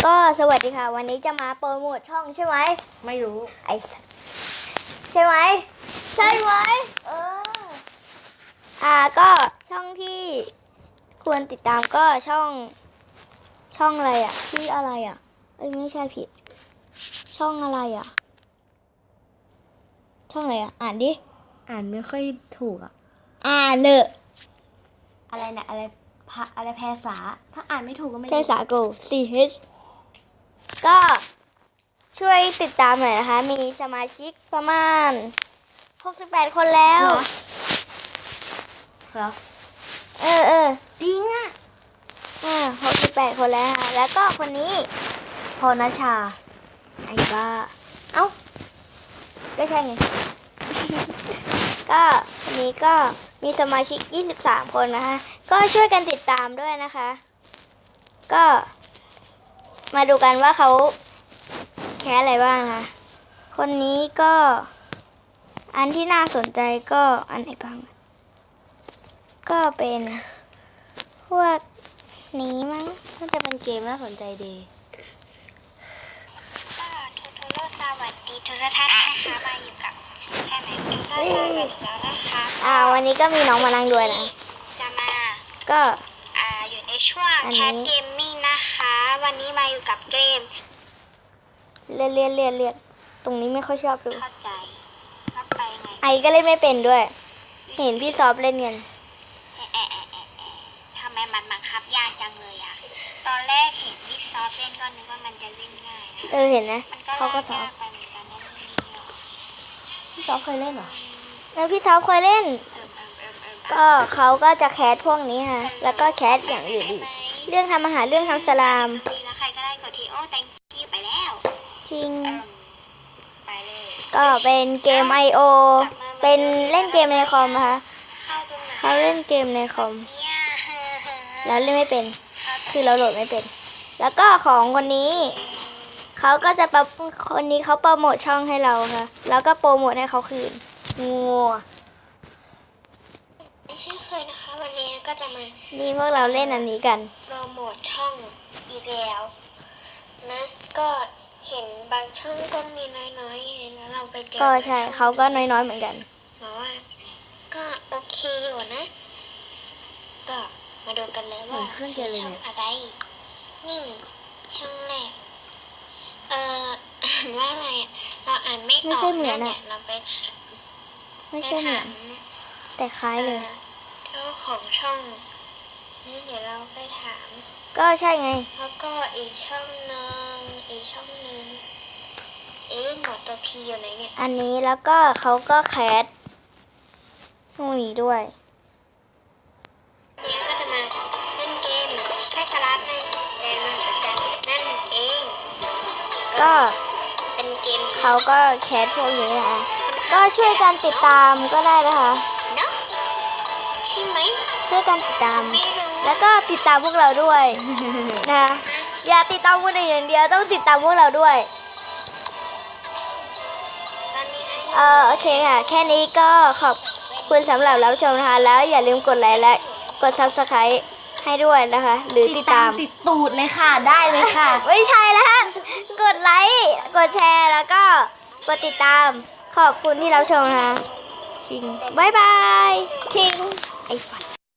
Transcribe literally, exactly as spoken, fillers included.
ก็สวัสดีค่ะวันนี้จะมาโปรโมทช่องใช่ไหมไม่รู้ไอใช่ไหมใช่ไหมเอออ่าก็ช่องที่ควรติดตามก็ช่องช่องอะไรอ่ะชื่ออะไรอ่ะเอ้ยไม่ใช่ผิดช่องอะไรอ่ะช่องอะไรอ่ะอ่านดิอ่านไม่ค่อยถูกอ่ะอ่านเนอะอะไรนะอะไรพะอะไรภาษาถ้าอ่านไม่ถูกก็ไม่ภาษาโก C H ก็ช่วยติดตามหน่อยนะคะมีสมาชิกประมาณหกสิบแปดคนแล้วเหรอเออเออจริงอ่ะอ่าหกสิบแปดคนแล้วค่ะแล้วก็คนนี้พรณชาไอ้บ้าเอ้าก็ใช่ไง ก็วันนี้ก็มีสมาชิกยี่สิบสามคนนะคะก็ช่วยกันติดตามด้วยนะคะก็มาดูกันว่าเขาแคสอะไรบ้างนะคนนี้ก็อันที่น่าสนใจก็อันไหนบ้างก็เป็นพวกนี้มั้งน่าจะเป็นเกมน่าสนใจดีก็ทูทูโรสวัสดีทุกท่านนะคะมาอยู่กับแค่ไหนก็สวัสดีแล้วนะคะอ่าวันนี้ก็มีน้องมานั่งด้วยนะจะมาก็อ่าอยู่ในช่วงแคทเกมมิ่งนะคะวันนี้มาอยู่กับเกมเรียนเรียนเรียนเรียนตรงนี้ไม่ค่อยชอบดูเข้าใจเข้าไปไงไอก็เล่นไม่เป็นด้วยเห็นพี่ซอฟเล่นกันเอะเอะเอะเอะเอะทำไมมันบังคับยากจังเลยอ่ะตอนแรกเห็นพี่ซอฟเล่นก็นึกว่ามันจะเล่นง่ายนะเออเห็นนะเขาก็สอนไปเหมือนกันนะพี่ซอฟเคยเล่นเหรอเออพี่ซอฟเคยเล่นก็เขาก็จะแคสพวกนี้ค่ะแล้วก็แคสอย่างอื่นอีกเรื่องทำอาหารเรื่องทำสลามใครก็ได้กดทีโอ้ thank you ไปแล้วจริงไปเลยก็เป็นเกม ไอ โอ เป็นเล่นเกมในคอมนะคะเขาเล่นเกมในคอมแล้วเล่นไม่เป็นคือเราโหลดไม่เป็นแล้วก็ของคนนี้เขาก็จะปรับคนนี้เขาโปรโมทช่องให้เราค่ะแล้วก็โปรโมทให้เขาคืนงัวไม่ใช่เคยนะคะวันนี้ก็จะมานี่พวกเราเล่นอันนี้กันโปรโมทช่องอีกแล้วนะก็เห็นบางช่องก็มีน้อยๆแล้วเราไปเจอก็ใช่เขาก็น้อยๆเหมือนกันเพราะว่าก็โอเคอยู่นะก็มาดูกันเลยว่าช่องอะไรนี่ช่องแรกเอ่ออ่านว่าอะไรเราอ่านไม่ออกไม่ใช่เหมือนอ่ะเราไปไม่ใช่เหมือนแต่คล้ายเลยเจ้าของช่องนี่เดี๋ยวเราไปถามก็ใช่ไงแล้วก็อีกช่องนึงอีกช่องนึงเอ๊ะหมดตัวพีอยู่ไหนเนี่ยอันนี้แล้วก็เขาก็แคสพวกนี้ด้วยเนี่ยก็จะมาเล่นเกมให้สลัดในเกมมันเหมือนกันนั่นเองก็เป็นเกมเขาก็แคสพวกนี้นะคะก็ช่วยกันติดตามก็ได้นะคะเนาะใช่ไหมช่วยกันติดตามแล้วก็ติดตามพวกเราด้วยนะอย่าติดตามคนอื่นอย่างเดียวต้องติดตามพวกเราด้วยเออโอเคค่ะแค่นี้ก็ขอบคุณสำหรับรับชมนะคะแล้วอย่าลืมกดไลค์และกด ซับสไครบ์ ให้ด้วยนะคะหรือติดตามติดตูดเลยค่ะได้เลยค่ะไม่ใช่แล้วกดไลค์กดแชร์แล้วก็กดติดตามขอบคุณที่รับชมนะคะชิงบายบายชิงไอ้ฝัน